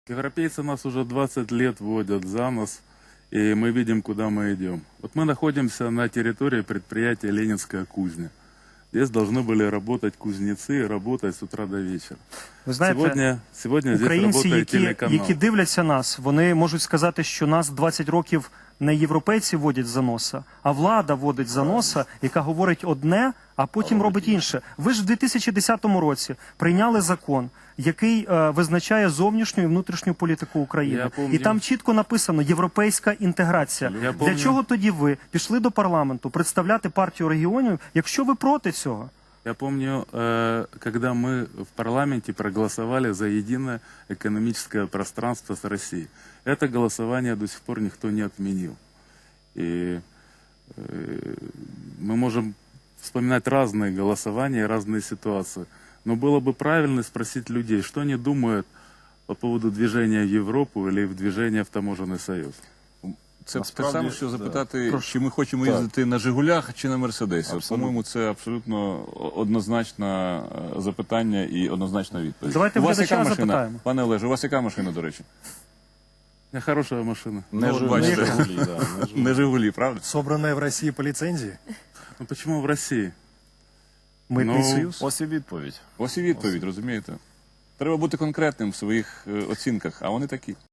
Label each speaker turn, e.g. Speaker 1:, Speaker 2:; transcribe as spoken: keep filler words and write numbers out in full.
Speaker 1: Европейцы нас уже двадцать лет водят за нос, и мы видим, куда мы идем. Вот мы находимся на территории предприятия «Ленинская кузня». Здесь должны были работать кузнецы, работать с утра до вечера.
Speaker 2: Ви знаєте,
Speaker 1: Сегодня, сегодня здесь
Speaker 2: українці,
Speaker 1: работает
Speaker 2: які,
Speaker 1: телеканал.
Speaker 2: які дивляться нас, вони можуть сказати, що нас двадцять років не європейці водять за носа, а влада водить за носа, яка говорить одне, а потім робить інше. Ви ж в дві тисячі десятому році прийняли закон, який е, визначає зовнішню і внутрішню політику України.
Speaker 1: Я помню.
Speaker 2: І там чітко написано «європейська інтеграція».
Speaker 1: Я
Speaker 2: Для
Speaker 1: помню.
Speaker 2: чого тоді ви пішли до парламенту представляти партію регіонів, якщо ви проти цього?
Speaker 1: Я помню, э, когда мы в парламенте проголосовали за единое экономическое пространство с Россией. Это голосование до сих пор никто не отменил. И э, мы можем вспоминать разные голосования, разные ситуации. Но было бы правильно спросить людей, что они думают по поводу движения в Европу или в движение в таможенный союз.
Speaker 3: Це те
Speaker 4: Насправді,
Speaker 3: саме, що
Speaker 4: да.
Speaker 3: запитати,
Speaker 2: Прошу.
Speaker 3: чи ми хочемо
Speaker 4: Так.
Speaker 3: їздити на «Жигулях» чи на «Мерседесі». От,
Speaker 4: Абсолютно.
Speaker 3: По-моєму, це абсолютно однозначне е, запитання і однозначна відповідь.
Speaker 2: Давайте
Speaker 3: у вас
Speaker 2: глядача
Speaker 3: яка машина?
Speaker 2: запитаємо.
Speaker 3: Пане Олеже, у вас яка машина, до речі?
Speaker 1: У меня хорошая машина.
Speaker 4: Не
Speaker 3: Ну,
Speaker 4: Жигулі,
Speaker 3: бачите.
Speaker 4: не Жигулі, да, не Жигулі.
Speaker 3: Не «Жигулі», правда?
Speaker 5: Собранная в России по лицензии?
Speaker 1: Ну почему в России?
Speaker 2: Митний
Speaker 1: Ну,
Speaker 2: союз?
Speaker 4: Ось і відповідь.
Speaker 3: Ось і відповідь, розумієте? Треба бути конкретним в своїх е, оцінках, а вони такі.